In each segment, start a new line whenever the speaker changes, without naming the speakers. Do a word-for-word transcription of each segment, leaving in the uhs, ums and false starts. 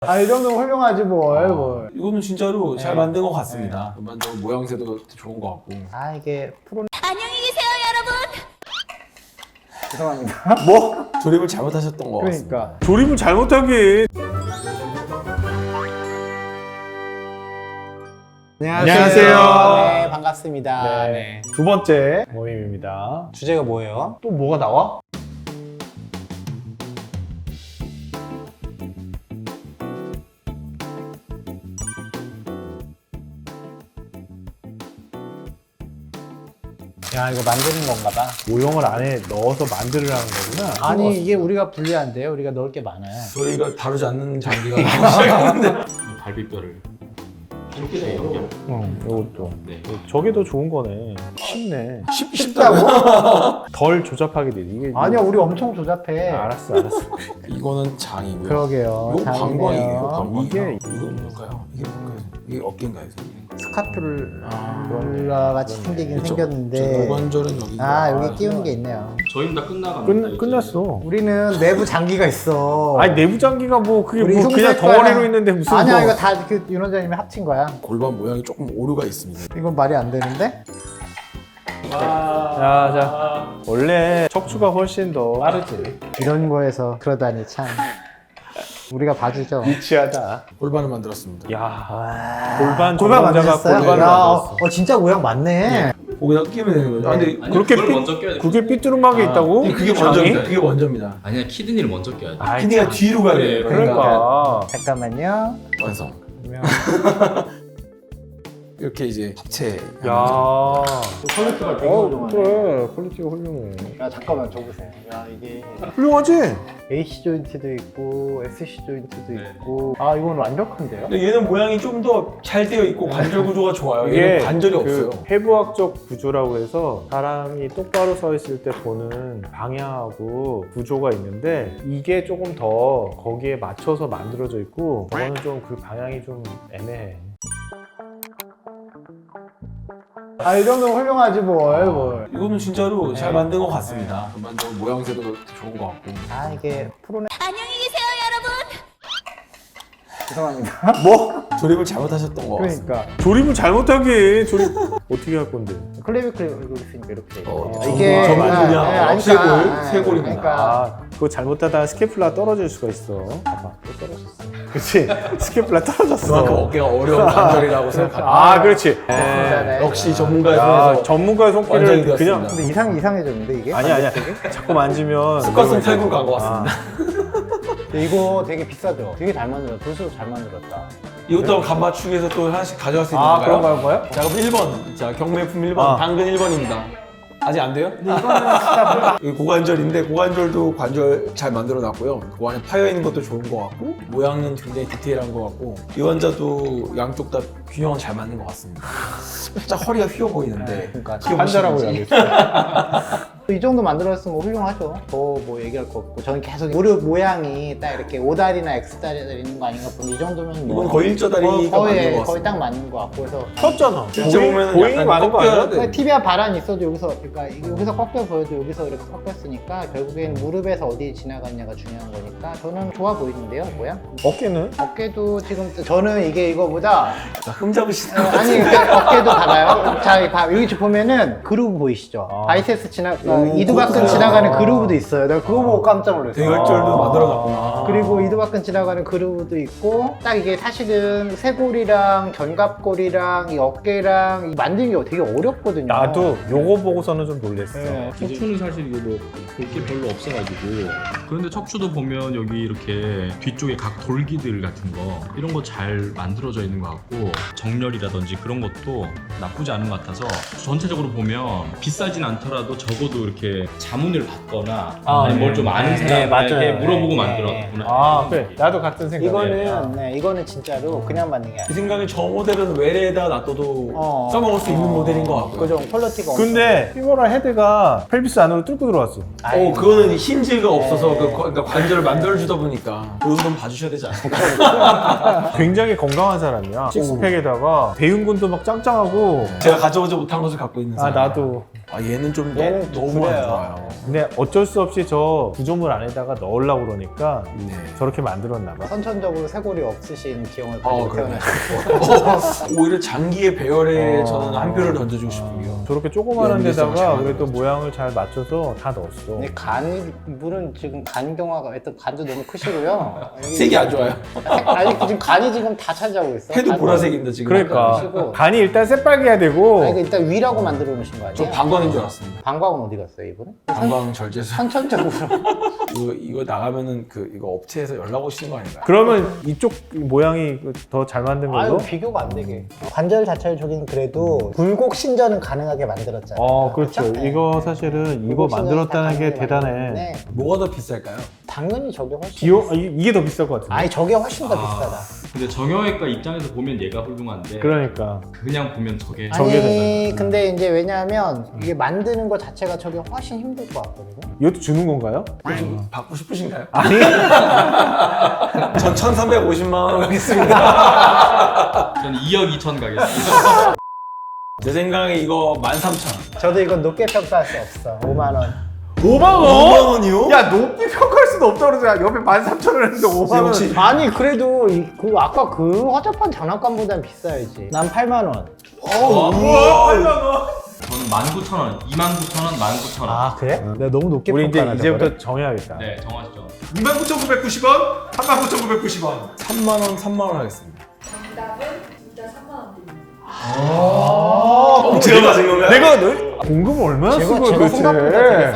아, 이 정도면 훌륭하지 뭘, 뭘.
이거는 진짜로 잘 만든 것 같습니다. 만든 모양새도 좋은 것 같고.
아, 이게 프로.
안녕히 계세요, 여러분.
죄송합니다.
뭐? 조립을 잘못하셨던 것 같습니다.
그러니까.
조립을 잘못하긴. 안녕하세요.
네, 반갑습니다.
네.
네.
두 번째 모임입니다.
주제가 뭐예요?
또 뭐가 나와?
야, 이거 만드는 건가 봐.
모형을 안에 넣어서 만들으라는 거구나.
아니, 이게 우리가 불리한데요? 우리가 넣을 게 많아요.
저희가 다루지 않는 장비가 나오기 시작했는데.
갈비뼈를 이렇게 돼 연결.
응, 이것도.
네.
저게 더 좋은 거네. 쉽네.
쉽, 쉽다고?
덜 조잡하게 돼. 이게
아니야, 우리 엄청 조잡해.
아, 알았어, 알았어.
이거는 장이고요.
그러게요.
이거 방광이에요. 방광.
이게-
이건 뭘까요? 이게 뭘까요? 이게 어깨인가요?
스카툴라 같이 생기긴
그쵸?
생겼는데.
고관절은 여기.
아, 여기 띄우는 게 있네요.
저희는 다 끝나갑니다.
끝, 끝났어.
우리는 내부 장기가 있어.
아니, 내부 장기가 뭐, 그게
우리
뭐 그냥
흉내과랑-
덩어리로 있는데 무슨.
아니야,
뭐.
이거 다 그 윤 원장님이 합친 거야.
골반 모양이 조금 오류가 있습니다.
이건 말이 안 되는데?
자, 자. 원래 척추가 훨씬 더 빠르지.
이런 거에서 그러다니 참. 우리가 봐주죠.
유치하다.
골반을 만들었습니다.
야 골반
골반
전문가가
만드셨어요?
골반을
야,
만들었어.
어, 진짜 모양 맞네.
거기다 끼면 되는 거죠. 아, 근데
아니,
그렇게
그걸
삐-
먼저 껴야 돼.
그게 삐뚤음하게 있다고?
그게
장이?
먼저입니다. 그게 먼저입니다.
아니야 키드니를 먼저 껴야 돼.
아이,
키니가
참.
뒤로 가야 돼요.
그러니까.
잠깐만요.
완성.
그러면
이렇게 이제 합체.
야.
퀄리티가 되게
어,
훌륭하네.
그래. 퀄리티가 훌륭해.
야, 잠깐만 저 보세요. 야, 이게
훌륭하지?
에이씨 조인트도 있고 에스씨 조인트도
네.
있고. 아, 이건 완벽한데요?
근데 얘는 모양이 좀 더 잘 되어 있고 관절 구조가 좋아요.
이게
얘는 관절이
그
없어요.
해부학적 구조라고 해서 사람이 똑바로 서 있을 때 보는 방향하고 구조가 있는데 이게 조금 더 거기에 맞춰서 만들어져 있고 저거는 좀 그 방향이 좀 애매해.
아, 이 정도면 훌륭하지 뭘, 뭘.
이거는 진짜로 잘 만든 것 같습니다. 만든 모양새도 좋은 것 같고.
아, 이게 프로네.
안녕히 계세요, 여러분.
죄송합니다.
뭐? 조립을 잘못하셨던 것 같습니다.
그러니까.
조립을 잘못하게 조립 어떻게 할 건데?
클레비 클레비 있으니까 이렇게 돼 있어요.
어,
이게
저 맞느냐?
아, 네, 아니,
쇄골,
그러니까,
쇄골입니다.
그러니까
아, 그거 잘못하다가 스케플라 떨어질 수가 있어. 봐봐, 또 떨어졌어. 그렇지, 스케플라 떨어졌어.
그만큼 어깨가 어려운 관절이라고 생각합니다.
아, 그렇지.
네.
역시 전문가의
야,
손에서
전문가의
완전히
손길을
되었습니다.
그냥
근데 이상 이상해졌는데 이게?
아니 아니야. 자꾸 만지면
습관성 탈구 간것 같습니다.
근데 이거 되게 비싸죠? 되게 잘 만들었다. 볼수록 잘 만들었다.
이것도 간 맞추기에서 또 하나씩 가져갈 수 있는
아,
건가요?
그런가요, 뭐요?
자, 그럼 일 번. 자, 경매품 일 번.
아.
당근 일 번입니다. 아직 안 돼요?
근데 이거는 진짜
이 고관절인데 고관절도 관절 잘 만들어 놨고요. 그 안에 파여 있는 것도 좋은 것 같고 모양은 굉장히 디테일한 것 같고 이 환자도 양쪽 다 균형은 잘 맞는 것 같습니다. 살짝 허리가 휘어 보이는데
그러니까
환자라고
귀여우시는지.
해야겠어.
이 정도 만들었으면 훌륭하죠. 더 뭐 얘기할 거 없고 저는 계속 무릎 모양이 딱 이렇게 오다리나 X다리 있는 거 아닌가 보는데 이 정도면 뭐
이건 거의 일자다리가
거의,
맞는 것
거의,
같습니다.
거의 딱 맞는 거 같고 그래서
컸잖아.
실제 보면은
보잉이
약간
많은 거
꺾여야
아니야?
돼.
그러니까 티비아 바란이 있어도 여기서 그러니까 이게 여기서 꺾여 보여도 여기서 이렇게 꺾였으니까 결국엔 무릎에서 어디 지나갔냐가 중요한 거니까 저는 좋아 보이는데요, 모양?
어깨는?
어깨도 지금 저는 이게 이거보다
자, 흠 잡으시는
어, 아니 그러니까 어깨도 봐봐요. 자 봐, 여기 보면은 그루브 보이시죠?
아.
바이세스 지나
오,
이두박근
그렇구나.
지나가는 그루브도 있어요. 내가 그거 보고 깜짝 놀랐어요.
대결절도
아.
만들어놨구나.
그리고 이두박근 지나가는 그루브도 있고 딱 이게 사실은 쇄골이랑 견갑골이랑 이 어깨랑 이 만드는 게 되게 어렵거든요.
나도 요거 보고서는 좀 놀랬어.
네.
척추는 사실 이거 뭐 볼 게 별로 없어가지고 그런데 척추도 보면 여기 이렇게 뒤쪽에 각 돌기들 같은 거 이런 거 잘 만들어져 있는 것 같고 정렬이라든지 그런 것도 나쁘지 않은 것 같아서 전체적으로 보면 비싸진 않더라도 적어도 이렇게 자문을 받거나
아,
아니 뭘 좀 아는
네,
사람에게
맞아요.
물어보고
네,
만들었구나.
아, 그래. 나도 같은 생각이야.
이거는 네, 이거는 진짜로 그냥 만든 게
제
아니에요.
생각엔 저 모델은 외래에다 놔둬도
어.
써먹을 수 있는 모델인 것 같고요.
그죠? 퀄리티가
근데 피모랄 헤드가 펠비스 안으로 뚫고 들어왔어.
어, 그거는 힌지가 없어서
네.
그, 그러니까 관절을 만들어주다 보니까 그 정도는 봐주셔야 되지 않을까.
굉장히 건강한 사람이야. 식스팩에다가 대흉근도 막 짱짱하고.
제가 가져오지 못한 것을 갖고 있는
아,
사람.
나도.
아, 얘는 좀
얘는
너무 너무 안
그래요.
좋아요.
근데 어쩔 수 없이 저 구조물 안에다가 넣으려고 그러니까
네.
저렇게 만들었나 봐.
선천적으로 쇄골이 없으신 기형을
어,
가지고
그러네.
태어나셨고
오히려 장기의 배열에
어.
저는 한 표를 던져주고 싶은데요.
저렇게 조그마한
연기성을
데다가
잘
그래도
만들었죠.
모양을 잘 맞춰서 다 넣었어.
근데 간 물은 지금 간 경화가 일단 간도 너무 크시고요. 여기
색이 안 좋아요.
아니 지금 간이 지금 다 차지하고 있어.
해도
간-
보라색인데 지금.
그러니까
그러시고.
간이 일단 새빨개야 되고.
아니 그 일단 위라고 만들어 놓으신 거 아니에요?
저 방광인 줄 알았습니다.
방광은 어디 갔어요 이분은?
방광 절제술.
선천적으로.
이거, 이거 나가면은 그 이거 업체에서 연락 오시는 거 아닌가요?
그러면 이쪽 모양이 더 잘 만든
아유
걸로?
비교가 안 되게. 관절 자체를 저긴 그래도 굴곡 신전은 가능하게 만들었잖아요.
어, 그렇죠.
그쵸? 네.
이거 사실은 이거
굴곡 신전이
만들었다는
다
게
가능하게
대단해.
만들었는데
뭐가 더 비쌀까요?
당연히 저게 훨씬.
비용 아, 이- 이게 더 비쌀 것 같은데.
아니 저게 훨씬 더
아,
비싸다.
근데 정형외과 입장에서 보면 얘가 훌륭한데
그러니까
그냥 보면 저게
저게
아니 근데 이제 왜냐하면 이게 만드는 것 자체가 저게 훨씬 힘들 것 같거든요.
이것도 주는 건가요?
받고 싶으신가요?
아니.
전 천삼백오십만 원 하겠습니다.
저는 이억 이천 가겠습니다.
제 생각에 이거 만 삼천 원.
저도 이건 높게 평가할 수 없어. 오만 원.
오만
오만 원이요?
야, 높게 평가할 수도 없다 그러잖아. 옆에 만 삼천 원 했는데 오만 원.
혹시-
아니 그래도 이, 그 아까 그 화장판 장난감보단 비싸야지. 난 팔만 원.
우와, 팔만 원.
저는 만 구천 원, 이만 구천 원, 만 구천 원.
아 그래? 내가 너무 높게
우리 이제
평가하나
이제부터 정해야겠다.
네, 정하시죠.
이만 구천구백구십 원, 삼만 구천구백구십 원. 삼만 원, 삼만 원 하겠습니다.
정답은 진짜 삼만 원 드립니다.
어, 제가 맞은 건가요?
내가 너 공금을 얼마나
제가-
쓴 거야
제가
도대체?
생각보다 되게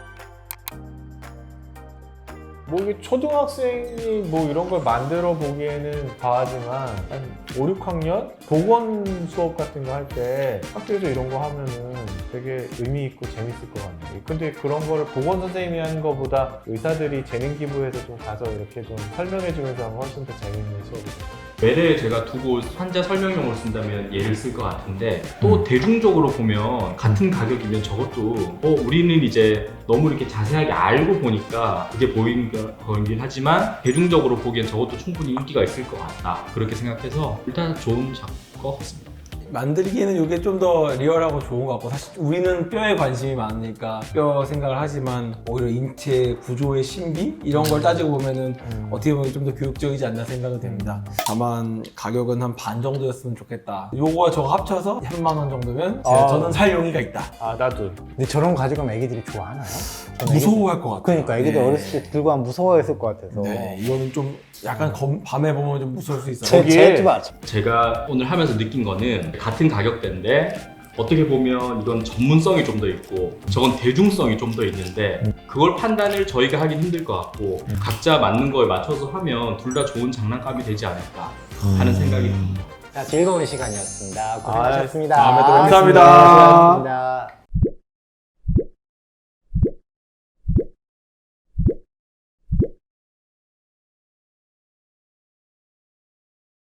뭐 이게 초등학생이 뭐 이런 걸 만들어 보기에는 과하지만 한 오, 육 학년 보건 수업 같은 거 할 때 학교에서 이런 거 하면은 되게 의미 있고 재밌을 것 같네요. 근데 그런 거를 보건 선생님이 하는 거보다 의사들이 재능 기부해서 좀 가서 이렇게 좀 설명해 주면서 하면 훨씬 더 재밌는 수업이죠.
외래에 제가 두고 환자 설명용으로 쓴다면 얘를 쓸 것 같은데 또 대중적으로 보면 같은 가격이면 저것도 어, 우리는 이제 너무 이렇게 자세하게 알고 보니까 그게 보이는 거긴 하지만 대중적으로 보기엔 저것도 충분히 인기가 있을 것 같다 그렇게 생각해서 일단 좋은 작품 것 같습니다.
만들기에는 이게 좀 더 리얼하고 좋은 것 같고 사실 우리는 뼈에 관심이 많으니까 뼈 생각을 하지만 오히려 인체 구조의 신비 이런 걸 따지고 보면은
음.
어떻게 보면 좀 더 교육적이지 않나 생각이 됩니다. 다만 가격은 한 반 정도였으면 좋겠다. 요거와 저거 합쳐서 삼만 원 정도면 제가
아.
저는 살 용의가 있다.
아 나도.
근데 저런 거 가져가면 애기들이 좋아하나요? 저는
무서워할 것 같아요.
그러니까 애기들
네.
어렸을 때 들고 하면 무서워했을 것 같아서.
네, 이거는 좀 약간 검- 밤에 보면 좀 무서울 수 있어요.
제,
거기에-
제 좀 알죠.
제가 오늘 하면서 느낀 거는 같은 가격대인데 어떻게 보면 이건 전문성이 좀 더 있고 저건 대중성이 좀 더 있는데 그걸 판단을 저희가 하긴 힘들 것 같고 각자 맞는 거에 맞춰서 하면 둘 다 좋은 장난감이 되지 않을까 하는 생각이 듭니다.
자, 즐거운 시간이었습니다. 고생하셨습니다.
다음에 또 뵙겠습니다.
수고하셨습니다.